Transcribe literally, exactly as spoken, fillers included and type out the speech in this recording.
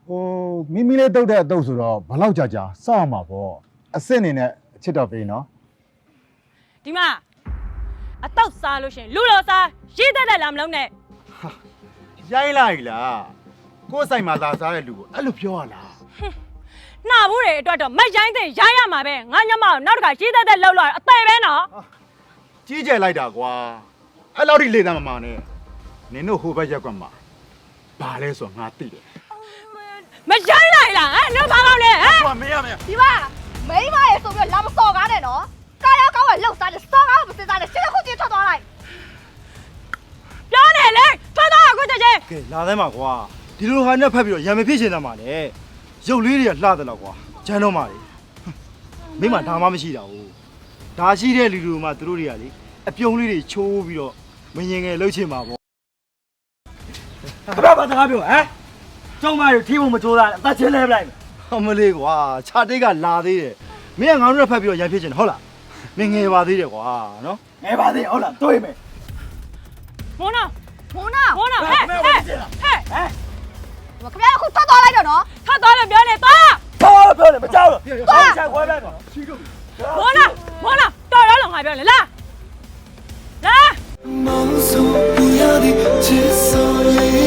ဟိုမိမိလေးတုတ်တဲ့အတုတ်ဆိုတော့ဘလောက်ကြာကြာစောင့်ရမှာပေါ့အစ်စ်အနေနဲ့အချစ်တော်ပေးနော်ဒီမှာအတော့စားလို့ရှင်လူတော်စားရေးတတ်တယ်လားမလုံးနဲ့ရိုင်းလိုက်လားကိုယ်ဆိုင်မှာသာစားတဲ့လူကိုအဲ့လိုပြောရလားနှာဘူးတွေအတွက်တော့မရိုင်းတဲ့ရိုင်းရမှာပဲငါညမနောက်တစ်ခါရေးတတ်တဲ့လောက်လာအသေးပဲနော်ကြီးကျယ်လိုက်တာကွာအဲ့လောက်ထိလေသားမမနဲ့နင်တို့ဟိုဘက်ရက်ကွက်မှာဘာလဲဆိုတော့ငါသိတယ်မရိုင်းလိုက်လားဟမ်တို့ဘာကောင်းလဲဟမ်ဟိုမင်းရမင်းဒီမှာမိမရေဆိုပြီးလာမစော်ကားနဲ့နော်ကာရကောင်းကလှုပ်စားတယ်စော်ကားမစင်စားနဲ့ရှင်းခုချင်းထွက်သွားလိုက်ပြောနေလေထွက်သွားအခုချက်ချင်းကဲလာသမ်းပါကွာဒီလိုဟာနဲ့ဖက်ပြီးတော့ရံမဖြစ်ချင်တာမှလေရုပ်လေးတွေကလှတယ်တော့ကွာဂျန်တော့မှလေမိမဒါမှမရှိတာဘူးဒါရှိတဲ့လူလူမှသူတို့တွေကလေအပြုံးလေးတွေချိုးပြီးတော့မရင်ငယ်လှုပ်ချင်ပါဗောဘာဘာတကားပြောဟမ်ကျောင်းမတွေထီးဖို့မကြိုးစားအသက်ချင်းလဲပလိုက်အမလေးကွာခြာတိတ်ကလာသေးတယ်မင်းကငါတို့နဲ့ဖက်ပြီးတော့ရံဖြစ်ချင်တယ်ဟုတ်လားမင်းငယ်ပါသေးတယ်ကွာနော်ငယ်ပါသေးဟုတ်လားတွေးမယ်မောနာမောနာမောနာဟဲ့ဟဲ့ဟဲ့ဟဲ့ခင်ဗျားအခုထွက်သွားလိုက်တော့နော်ထွက်သွားလို့ပြောနေသွားသွားလို့ပြောနေမကြောက်ဘူးသွားချခွဲလိုက်ပါမောနာမောနာတော်တော့လုံးငါပြောလေလာလာ梦送不要的，至少也